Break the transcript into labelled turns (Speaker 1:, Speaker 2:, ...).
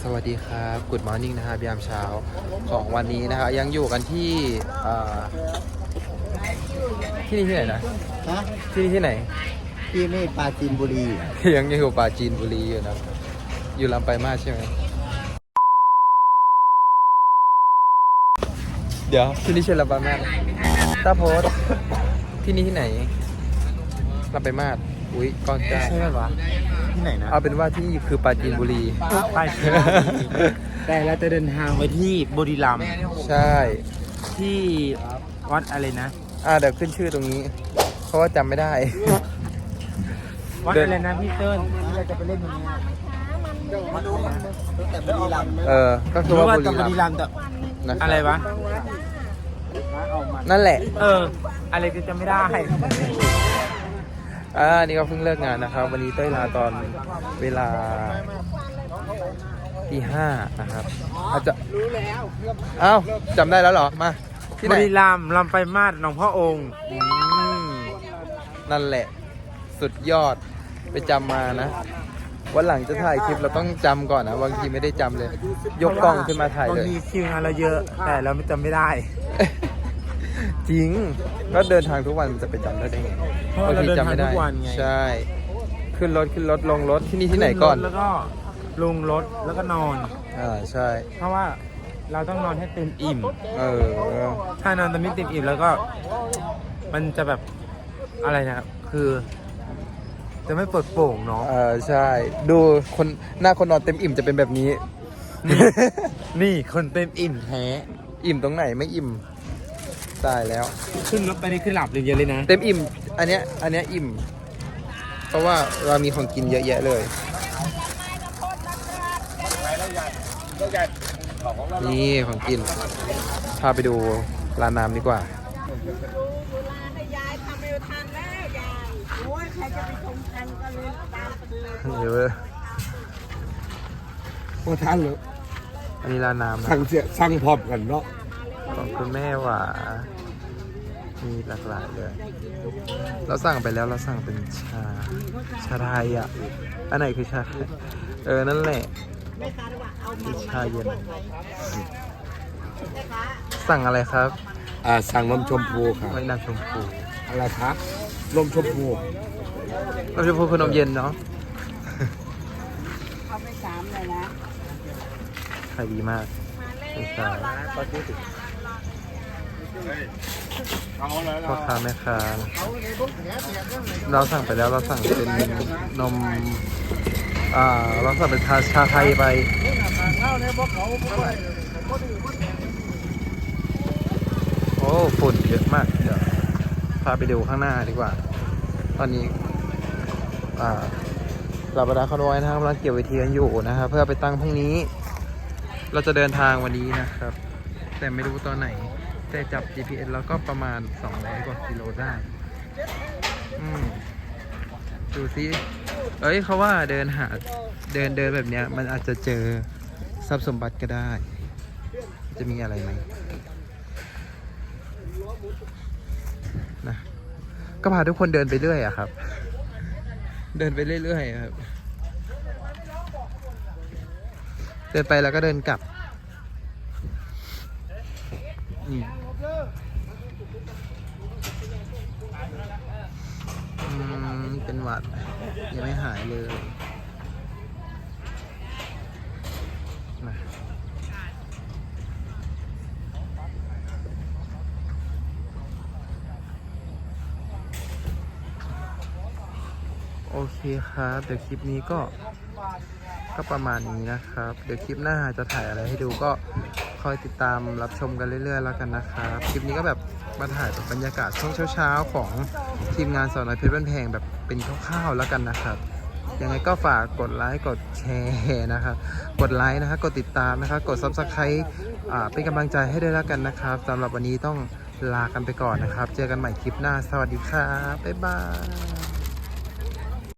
Speaker 1: สวัสดีครับGood Morning นะครับยามเช้าของวันนี้นะครับยังอยู่กันที่ที่นี่ที่ไหนนะที่นี่ที่ไหน
Speaker 2: ที่นี่ปราจีนบุรี
Speaker 1: ยังอยู่ปราจีนบุรีอยู่นะอยู่ลำปลายมาสใช่ไหมเดี๋ยวที่นี่ใช่ลำปลายมาสตาโพสที่นี่ที่ไหนลำปลายมาสอุ้ยก้อนจ้า
Speaker 2: ใช่ไหมวะที่ไหนนะ
Speaker 1: เอาเป็นว่าที่นี่คือปราจีนบุรี
Speaker 2: ไปแต่เราจะเดินทางไปที่บุรีรัมย์
Speaker 1: ใช่
Speaker 2: ที่วัดอะไรนะ
Speaker 1: เดี๋ยวขึ้นชื่อตรงนี้เพราะว่าจำไม่ได้
Speaker 2: วัดอะไรนะพี่เติ้ลที่เราจะไปเล่นตรงนี้มาดูแต่บุรีรัมย์
Speaker 1: ก็คือว่าบุ
Speaker 2: รีรัมย์แต่อะไรวะ
Speaker 1: นั่นแหละ
Speaker 2: อะไรก็จะไม่ได้
Speaker 1: นี่ก็เพิ่งเลิกงานนะครับวันนี้เต้ยลาตอนเวลาตี 5นะครับอาจจะรู้แล้วจำได้แล้วเหรอมาที่ไหน
Speaker 2: บุรีรัมย์ลำปลายมาสหนองพ่อองค์
Speaker 1: นั่นแหละสุดยอดไปจำมานะวันหลังจะถ่ายคลิปเราต้องจำก่อนนะบางทีไม่ได้จำเลยยกกล้องขึ้นมาถ่ายเลย
Speaker 2: บางทีคิวงานเราเยอะแต่เราไม่จำไม่ได้
Speaker 1: จริงก็เดินทางทุกวันมันจะไปจำได้ไง
Speaker 2: บางทีจำไม่ได้
Speaker 1: ใช่ขึ้นรถลงรถที่นี่ที่ไหนก่อน
Speaker 2: แล้วก็ลงรถแล้วก็นอน
Speaker 1: ใช่
Speaker 2: เพราะว่าเราต้องนอนให้เต็มอิ่มถ้านอนแต่ไม่เต็มอิ่มแล้วก็มันจะแบบอะไรนะครับคือจะไม่เปิดโปร่งเนาะ
Speaker 1: ใช่ดูคนหน้าคนนอนเต็มอิ่มจะเป็นแบบนี้
Speaker 2: นี่คนเต็มอิ่มแท้
Speaker 1: อิ่มตรงไหนไม่อิ่มตายแล้ว
Speaker 2: ขึ้นรถไปนี่ขึ้นหลับเลยเยอะเลยนะ
Speaker 1: เต็มอิ่มอันเนี้ยอิ่มเพราะว่าเรามีของกินเยอะแยะเลยนี่ของกินพาไปดูร้านน้ำดีกว่าเดี๋ยว
Speaker 2: โอ้ท่านเลย
Speaker 1: อันนี้ร้านน้ำ
Speaker 2: สั่งพร้อมกันเนาะ
Speaker 1: ของคุณแม่หว่ามีหลากหลายเลยเราสั่งไปแล้วเราสั่งเป็นชาไทยอันไหนคือชาไทยนั่นแหละคือชาเย็นสั่งอะไรครับ
Speaker 2: สั่งนมชมพูครับ
Speaker 1: ไม่นมชมพู
Speaker 2: อะไรครับนมชมพู
Speaker 1: คือนมเย็นเนาะ
Speaker 3: เขาไม่3เลยนะ
Speaker 1: ขายดีมากใช่พ่อค้าแม่ค้าเราสั่งไปแล้วเราสั่งเป็นนมเราสั่งเป็นชาไทยไปโอ้ฝุ่นเยอะมากเดี๋ยวพาไปดูข้างหน้าดีกว่าตอนนี้เราประดาเขาน้อยนะครับกำลังเกี่ยวเวทีกันอยู่นะครับเพื่อไปตั้งพรุ่งนี้เราจะเดินทางวันนี้นะครับแต่ไม่รู้ตอนไหนแต่จับ GPS แล้วก็ประมาณ200 กว่ากิโลได้ดูซิเขาว่าเดินแบบเนี้ยมันอาจจะเจอทรัพย์สมบัติก็ได้จะมีอะไรไหมนะก็พาทุกคนเดินไปเรื่อยครับเดินไปเรื่อยๆครับเดินไปแล้วก็เดินกลับเป็นหวัดยังไม่หายเลยนะโอเคครับเดี๋ยวคลิปนี้ก็ประมาณนี้นะครับเดี๋ยวคลิปหน้าจะถ่ายอะไรให้ดูก็คอยติดตามรับชมกันเรื่อยๆแล้วกันนะครับคลิปนี้ก็แบบมาถ่ายแบบบรรยากาศช่วงเช้าๆของทีมงานสาวน้อยเพชรบ้านแพงแบบเป็นคร่าวๆแล้วกันนะครับยังไงก็ฝากกดไลค์กดแชร์นะครับกดไลค์นะครับกดติดตามนะครับกด Subscribe เป็นกำลังใจให้ด้วยแล้วกันนะครับสำหรับวันนี้ต้องลากันไปก่อนนะครับเจอกันใหม่คลิปหน้าสวัสดีครับบ๊ายบาย